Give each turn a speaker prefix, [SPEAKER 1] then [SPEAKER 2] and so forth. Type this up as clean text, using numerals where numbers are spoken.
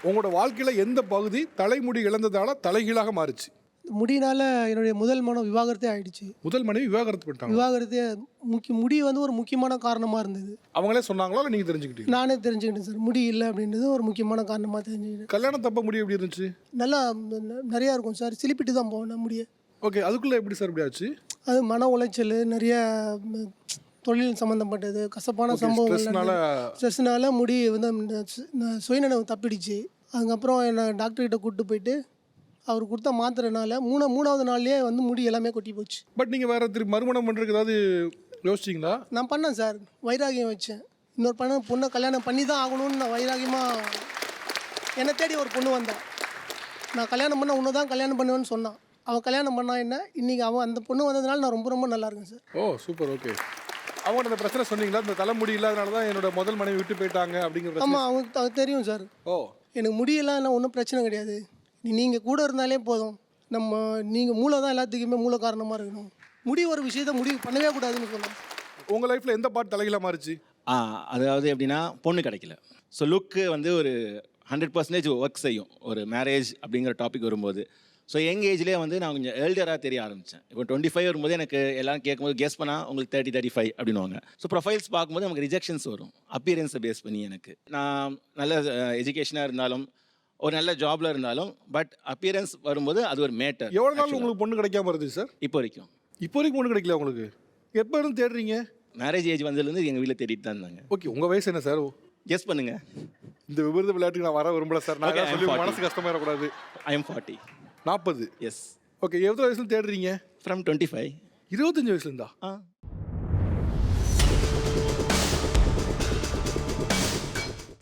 [SPEAKER 1] உங்களோட வாழ்க்கையில் எந்த பகுதி தலைமுடி இழந்ததால தலைகீழாக மாறுச்சு?
[SPEAKER 2] முடியினால என்னுடைய முதல் மனம் விவாகரத்தே ஆயிடுச்சு.
[SPEAKER 1] முதல் மனைவி விவாகரத்து பண்ணிட்டாங்க.
[SPEAKER 2] விவாகரத்தே முடி வந்து ஒரு முக்கியமான காரணமாக இருந்தது.
[SPEAKER 1] அவங்களே சொன்னாங்களா இல்லை நீங்கள் தெரிஞ்சுக்கிட்டீங்க?
[SPEAKER 2] நானே தெரிஞ்சுக்கிட்டேன் சார். முடி இல்லை அப்படின்றது ஒரு முக்கியமான காரணமாக தெரிஞ்சுக்கிட்டேன்.
[SPEAKER 1] கல்யாணம் தப்ப முடி எப்படி இருந்துச்சு?
[SPEAKER 2] நல்லா நிறையா இருக்கும் சார். சிலிப்பிட்டு தான் போவேன் முடிய.
[SPEAKER 1] ஓகே, அதுக்குள்ளே எப்படி சார் இப்படி ஆச்சு?
[SPEAKER 2] அது மன உளைச்சல், நிறைய தொழில் சம்மந்தப்பட்டது, கசப்பான சம்பவங்கள், ஸ்ட்ரெஸ்னால முடி வந்து சுயநினைவு தப்பிடுச்சு. அதுக்கப்புறம் என்னை டாக்டர்கிட்ட கூப்பிட்டு போயிட்டு அவர் கொடுத்த மாத்திரனால மூணாவது நாள்லேயே வந்து முடி எல்லாமே கொட்டி போச்சு.
[SPEAKER 1] பட் நீங்கள் வேறு திருப்பி மறுமணம் பண்ணுறதுக்கு ஏதாவது யோசிச்சிங்களா?
[SPEAKER 2] நான் பண்ணேன் சார். வைராகியம் வச்சேன். இன்னொரு பொண்ணை கல்யாணம் பண்ணி தான் ஆகணும்னு நான் வைராகியமாக என்னை தேடி ஒரு பொண்ணு வந்தேன். நான் கல்யாணம் பண்ண உன்னை தான் கல்யாணம் பண்ணுவேன்னு சொன்னான். அவன் கல்யாணம் பண்ணா என்ன, இன்றைக்கி அந்த பொண்ணு வந்ததுனால நான் ரொம்ப ரொம்ப நல்லா இருக்கேன் சார்.
[SPEAKER 1] ஓ சூப்பர். ஓகே, அவங்க அந்த பிரச்சனை சொன்னீங்களா? இந்த தலைமுடி இல்லாதனால தான் என்னோட முதல் மனைவி விட்டு போயிட்டாங்க அப்படிங்கிற?
[SPEAKER 2] ஆமாம், அவங்களுக்கு தெரியும் சார்.
[SPEAKER 1] ஓ,
[SPEAKER 2] எனக்கு முடியெல்லாம் ஒன்றும் பிரச்சனை கிடையாது. நீங்கள் கூட இருந்தாலே போதும். நீங்கள் மூளை தான் எல்லாத்துக்குமே மூல காரணமாக இருக்கணும். முடி ஒரு விஷயத்த முடிவு பண்ணவே கூடாதுன்னு சொன்னோம்.
[SPEAKER 1] உங்கள் லைஃப்பில் எந்த பார்ட் தலைகீழாக மாறிச்சு?
[SPEAKER 3] அதாவது எப்படின்னா, பொண்ணு கிடைக்கல. ஸோ லுக்கு வந்து ஒரு 100% ஒர்க் செய்யும் ஒரு மேரேஜ் அப்படிங்கிற டாபிக் வரும்போது. ஸோ யங் ஏஜ்லேயே வந்து நான் கொஞ்சம் எல்டராக தெரிய ஆரம்பித்தேன். இப்போ 25 வரும்போது எனக்கு எல்லாம் கேட்கும்போது கெஸ் பண்ணால் உங்களுக்கு 30-35 அப்படின்வாங்க. ஸோ ப்ரொஃபைல்ஸ் பார்க்கும்போது நமக்கு ரிஜெக்ஷன்ஸ் வரும் அப்பியரன்ஸை பேஸ் பண்ணி. எனக்கு நான் நல்ல எஜுகேஷனாக இருந்தாலும் ஒரு நல்ல ஜாப்ல இருந்தாலும் பட் அப்பியரன்ஸ் வரும்போது அது ஒரு மேட்டர்.
[SPEAKER 1] எவ்வளோ நாள் உங்களுக்கு பொண்ணு கிடைக்காம இருந்துச்சு சார்?
[SPEAKER 3] இப்போ வரைக்கும்
[SPEAKER 1] பொண்ணு கிடைக்கல உங்களுக்கு? எப்போ இருந்து தேடுறீங்க?
[SPEAKER 3] மேரேஜ் ஏஜ் வந்ததுலேருந்து எங்கள் வீட்டில் தேடிட்டு தான் இருந்தாங்க.
[SPEAKER 1] ஓகே, உங்கள் வயசு என்ன சார்?
[SPEAKER 3] கெஸ் பண்ணுங்க.
[SPEAKER 1] இந்த விபரீத விளையாட்டுக்கு நான் வர விரும்பல சார். நான் சொல்லி மனசு கஷ்டமா இருக்கக்கூடாது.
[SPEAKER 3] I am 40.
[SPEAKER 1] 40?
[SPEAKER 3] எஸ்.
[SPEAKER 1] ஓகே, எவ்வளோ வயசுல தேடுறீங்க?
[SPEAKER 3] ஃப்ரம் 25.
[SPEAKER 1] 25 வயசுல இருந்தா?